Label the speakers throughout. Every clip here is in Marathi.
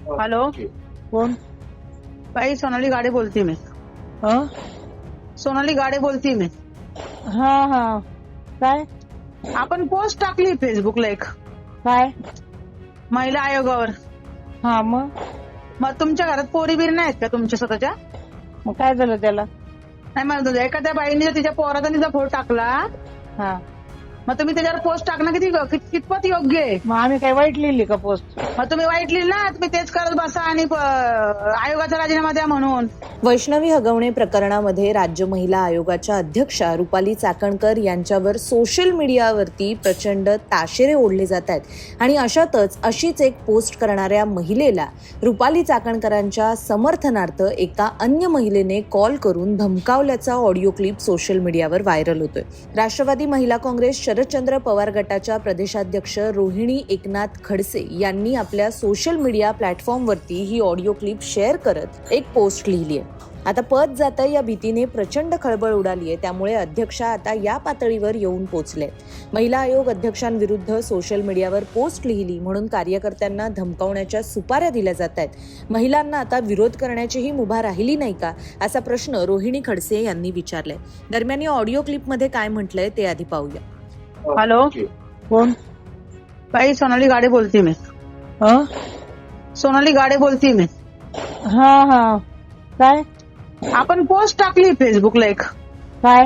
Speaker 1: हॅलो,
Speaker 2: कोण?
Speaker 1: बाई सोनाली गाडे बोलते मी.
Speaker 2: हं?
Speaker 1: सोनाली गाडे बोलते मी.
Speaker 2: हा हा. काय
Speaker 1: आपण पोस्ट टाकली फेसबुकला एक
Speaker 2: काय?
Speaker 1: महिला आयोगावर.
Speaker 2: हा मग
Speaker 1: मग तुमच्या घरात पोरी बिरी नाहीत का तुमच्या स्वतःच्या?
Speaker 2: मग काय झालं त्याला?
Speaker 1: नाही म्हणत एखाद्या बाईने जर तिच्या पोराचा तिचा फोटो टाकला,
Speaker 2: हा
Speaker 1: मग तुम्ही त्याच्यावर पोस्ट टाकणं कितपत योग्य आहे?
Speaker 2: मग आम्ही काय वाईट लिहिली का पोस्ट?
Speaker 1: मग तुम्ही वाईट लिहिलं ना, तुम्ही तेच करत बसा आणि आयोगाचा राजीनामा द्या म्हणून.
Speaker 3: वैष्णवी हगवणे प्रकरणामध्ये राज्य महिला आयोगाच्या अध्यक्षा रुपाली चाकणकर यांच्यावर सोशल मीडियावरती प्रचंड ताशेरे ओढले जात आहेत आणि अशातच अशीच एक पोस्ट करणाऱ्या महिलेला रुपाली चाकणकरांच्या समर्थनार्थ एका अन्य महिलेने कॉल करून धमकावल्याचा ऑडिओ क्लिप सोशल मीडियावर व्हायरल होतोय. राष्ट्रवादी महिला काँग्रेस शरदचंद्र पवार गटाच्या प्रदेशाध्यक्ष रोहिणी एकनाथ खडसे यांनी आपल्या सोशल मीडिया प्लॅटफॉर्मवरती ही ऑडिओ क्लिप शेअर करत एक पोस्ट लिहिली आहे. आता पद जातं या भीतीने प्रचंड खळबळ उडाली आहे. त्यामुळे अध्यक्षा आता या पातळीवर येऊन पोहोचले. महिला आयोग अध्यक्षांविरुद्ध सोशल मीडियावर पोस्ट लिहिली म्हणून कार्यकर्त्यांना धमकावण्याच्या सुपाऱ्या दिल्या जात आहेत. महिलांना आता विरोध करण्याचीही मुभा राहिली नाही का, असा प्रश्न रोहिणी खडसे यांनी विचारलाय. दरम्यान या ऑडिओ क्लिपमध्ये काय म्हटलंय ते आधी पाहूया.
Speaker 1: हॅलो,
Speaker 2: कोण?
Speaker 1: बाई सोनाली गाडे बोलते मी.
Speaker 2: हं?
Speaker 1: सोनाली गाडे बोलते मी.
Speaker 2: हा हा. काय
Speaker 1: आपण पोस्ट टाकली फेसबुकला एक
Speaker 2: काय?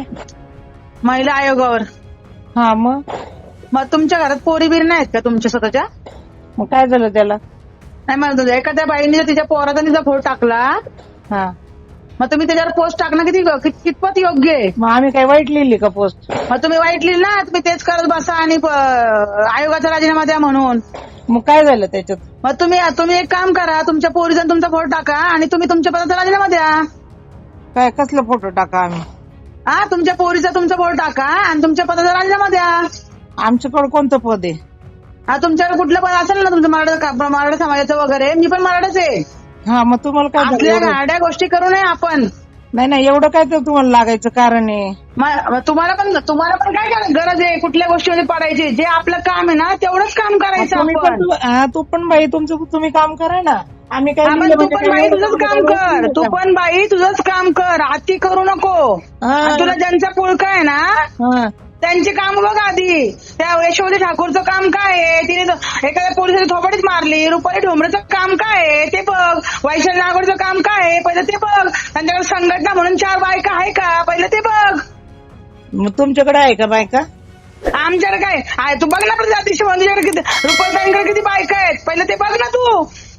Speaker 1: महिला आयोगावर.
Speaker 2: हा मग
Speaker 1: मग तुमच्या घरात पोरी बिरी नाहीत का तुमच्या स्वतःच्या?
Speaker 2: मग काय झालं त्याला?
Speaker 1: नाही म्हणत एखाद्या बाईने जर तिच्या पोराचा तिचा फोटो टाकला,
Speaker 2: हा
Speaker 1: मग तुम्ही त्याच्यावर पोस्ट टाकणं कितपत योग्य आहे?
Speaker 2: मग आम्ही काय वाईट लिहिली का पोस्ट?
Speaker 1: मग तुम्ही वाईट लिहिलं ना, तुम्ही तेच करत बसा आणि आयोगाचा राजीनामा द्या म्हणून.
Speaker 2: मग काय झालं त्याच्यात?
Speaker 1: मग तुम्ही एक काम करा, तुमच्या पोरीचा तुमचा फोटो टाका आणि तुम्ही तुमच्या पदाचा राजीनामा द्या.
Speaker 2: काय कसला फोटो टाका आम्ही?
Speaker 1: हा, तुमच्या पोरीचा तुमचा फोटो टाका आणि तुमच्या पदाचा राजीनामा द्या.
Speaker 2: आमच्याकडे कोणतं पद आहे?
Speaker 1: हा, तुमच्याकडे कुठलं पद असेल ना तुमचं मराठा समाजाचं वगैरे. मी पण मराठाच आहे.
Speaker 2: हा मग तुम्हाला काय झालं
Speaker 1: आपल्या
Speaker 2: एवढं?
Speaker 1: गाड्या गोष्टी करू नये आपण.
Speaker 2: नाही एवढं काय तर तुम्हाला लागायचं कारण आहे?
Speaker 1: तुम्हाला पण काय गरज आहे कुठल्या गोष्टीमध्ये पडायची? जे आपलं काम आहे ना तेवढंच काम करायचं आपण.
Speaker 2: तू पण बाई तुमचं तुम्ही काम करा ना. आम्ही काय
Speaker 1: आपण तू पण बाई तुझंच काम कर. तू पण बाई तुझंच काम कर. अति करू नको. आणि तुला ज्यांचा पुळका आहे ना त्यांची काम बघ आधी. त्या यशोमती ठाकूरचं काम काय आहे? तिने एखाद्या पोलिसाची थोपडीच मारली. रुपाली ढोंबरेचं काम काय आहे ते बघ. वैशाली नागोडचं काम काय आहे पहिलं ते बघ. त्यांच्याकडे संघटना म्हणून 4 बायका आहे का पहिलं ते बघ.
Speaker 2: मग तुमच्याकडे आहे का बायका?
Speaker 1: आमच्याकडे काय आहे? तू बघ ना प्रजातीशी तुझ्याकडे किती रुपालीताईंकडे किती बायका आहेत पहिलं ते बघ ना तू.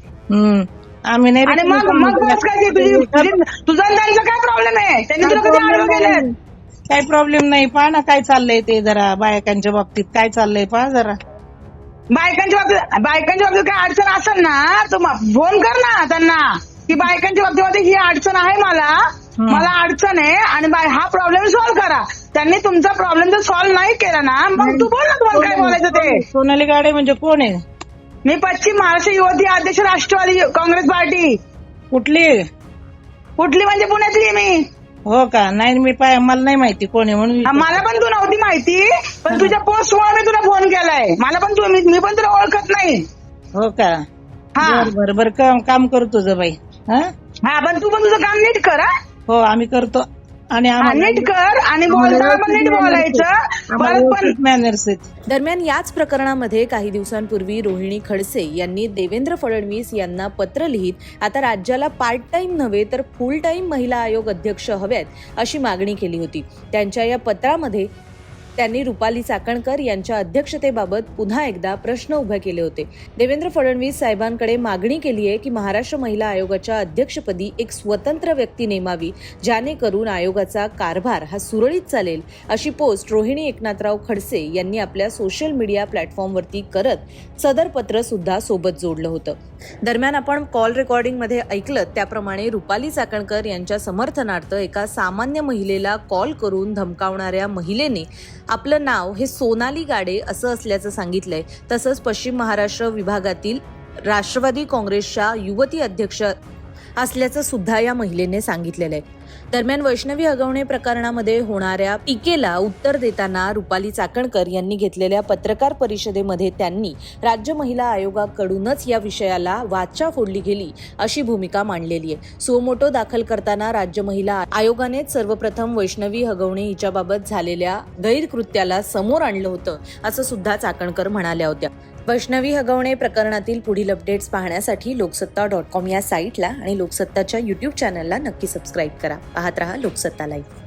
Speaker 2: आम्ही नाही.
Speaker 1: आणि मग बस काय तुझा त्यांचा काय प्रॉब्लेम आहे? त्यांनी तुला कधी आडवं केलं?
Speaker 2: काही प्रॉब्लेम नाही. पहा ना काय चाललंय ते जरा बायकांच्या बाबतीत काय चाललंय पहा जरा.
Speaker 1: बायकांच्या बाबतीत काय अडचण असेल ना तू फोन कर ना त्यांना की बायकांच्या बाबतीमध्ये ही अडचण आहे मला अडचण आहे आणि हा प्रॉब्लेम सॉल्व्ह करा. त्यांनी तुमचा प्रॉब्लेम जर सॉल्व्ह नाही केला ना मग तू बोल ना तुम्हाला काय बोलायचं ते.
Speaker 2: सोनाली गाडे म्हणजे कोण आहे?
Speaker 1: मी पश्चिम महाराष्ट्र युवती अध्यक्ष राष्ट्रवादी काँग्रेस पार्टी.
Speaker 2: कुठली
Speaker 1: म्हणजे पुण्यातली मी.
Speaker 2: हो का? नाही मला नाही माहिती कोण आहे म्हणून.
Speaker 1: मला पण तू नव्हती माहिती पण तुझ्या पोस्टमुळे मी तुला फोन केलाय. मला पण मी पण तुला ओळखत नाही.
Speaker 2: हो का? बरं काम करू तुझं बाई.
Speaker 1: हा पण तू पण तुझं काम नीट कर.
Speaker 2: हो आम्ही करतो. आणि
Speaker 1: नीट कर आणि बोलताना पण नीट बोलायचं. परत
Speaker 2: मॅनर्स आहेत.
Speaker 3: दरम्यान याच प्रकरणामध्ये काही दिवसांपूर्वी रोहिणी खडसे यांनी देवेंद्र फडणवीस यांना पत्र लिहित आता राज्याला पार्ट टाइम नव्हे तर फुल टाइम महिला आयोग अध्यक्ष हव्यात अशी मागणी केली होती. त्यांच्या या पत्रामध्ये त्यांनी रुपाली चाकणकर यांच्या अध्यक्षतेबाबत पुन्हा एकदा प्रश्न उभे केले होते. देवेंद्र फडणवीस साहेबांकडे मागणी केली आहे की महाराष्ट्र महिला आयोगाच्या अध्यक्षपदी एक स्वतंत्र व्यक्ती नेमावी ज्यानेकरून आयोगाचा कारभार हा सुरळीत चालेल. अशी पोस्ट रोहिणी एकनाथराव खडसे यांनी आपल्या सोशल मीडिया प्लॅटफॉर्मवरती करत सदर पत्र सुद्धा सोबत जोडलं होतं. दरम्यान आपण कॉल रेकॉर्डिंगमध्ये ऐकलं त्याप्रमाणे रुपाली चाकणकर यांच्या समर्थनार्थ एका सामान्य महिलेला कॉल करून धमकावणाऱ्या महिलेने आपलं नाव हे सोनाली गाडे असं असल्याचं सांगितलंय. तसंच पश्चिम महाराष्ट्र विभागातील राष्ट्रवादी काँग्रेसच्या युवती अध्यक्ष असल्याचं सुद्धा या महिलेने सांगितलेलं आहे. दरम्यान वैष्णवी हगवणे प्रकरणामध्ये होणाऱ्या टीकेला उत्तर देताना रुपाली चाकणकर यांनी घेतलेल्या पत्रकार परिषदेमध्ये त्यांनी राज्य महिला आयोगाकडूनच या विषयाला वाचा फोडली गेली अशी भूमिका मांडलेली आहे. सुमोटो दाखल करताना राज्य महिला आयोगानेच सर्वप्रथम वैष्णवी हगवणे हिच्याबाबत झालेल्या गैरकृत्याला समोर आणलं होतं असं सुद्धा चाकणकर म्हणाल्या होत्या. वैष्णवी हगवणे प्रकरणातील पुढील अपडेट्स पाहण्यासाठी लोकसत्ता.com या साईटला आणि लोकसत्ताच्या YouTube चॅनलला नक्की सबस्क्राईब करा. पाहत रहा लोकसत्ता लाईव्ह.